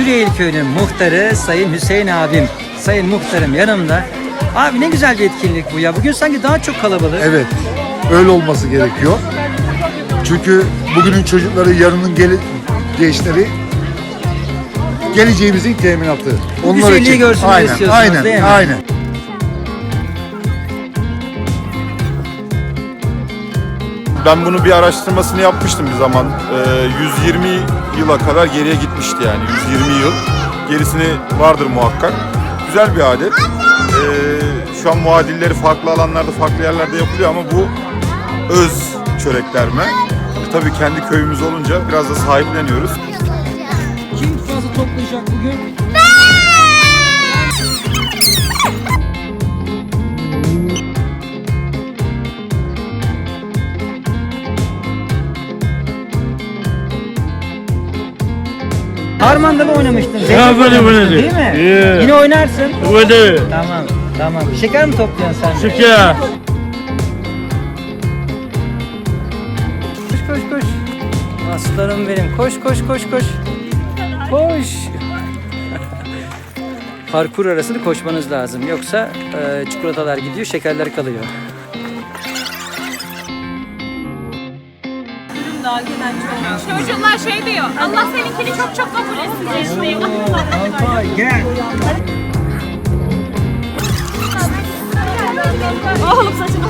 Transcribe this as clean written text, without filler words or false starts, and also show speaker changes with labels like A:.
A: Güreyil Köyü'nün muhtarı Sayın Hüseyin abim. Sayın muhtarım yanımda. Abi ne güzel bir etkinlik bu ya. Bugün sanki daha çok kalabalık.
B: Evet, öyle olması gerekiyor. Çünkü bugünün çocukları, yarının gençleri geleceğimizin teminatı.
A: Bu güzelliği görsünler istiyorsunuz, değil mi?
B: Aynen.
C: Ben bunu bir araştırmasını yapmıştım bir zaman. 120 yıla kadar geriye gitmişti yani. 120 yıl. Gerisini vardır muhakkak. Güzel bir adet. Şu an muadilleri farklı alanlarda, farklı yerlerde yapılıyor ama bu öz çöreklerme. Tabii kendi köyümüz olunca biraz da sahipleniyoruz.
A: Kim fazla toplayacak bugün? Harman'da mı oynamıştın?
D: Ya böyle
A: Oynamıştın,
D: böyle.
A: değil mi?
D: Yeah.
A: Yine oynarsın.
D: Böyle.
A: Tamam. Şeker mi topluyorsun sen de?
D: Şeker.
A: Koş. Aslanım benim. Koş. Koş. Parkur arasını koşmanız lazım. Yoksa çikolatalar gidiyor, şekerler kalıyor.
E: Çocuklar şey diyor, Allah seninkini çok kabul etsin diyor.
A: Alpay gel.
E: Oğlum saçını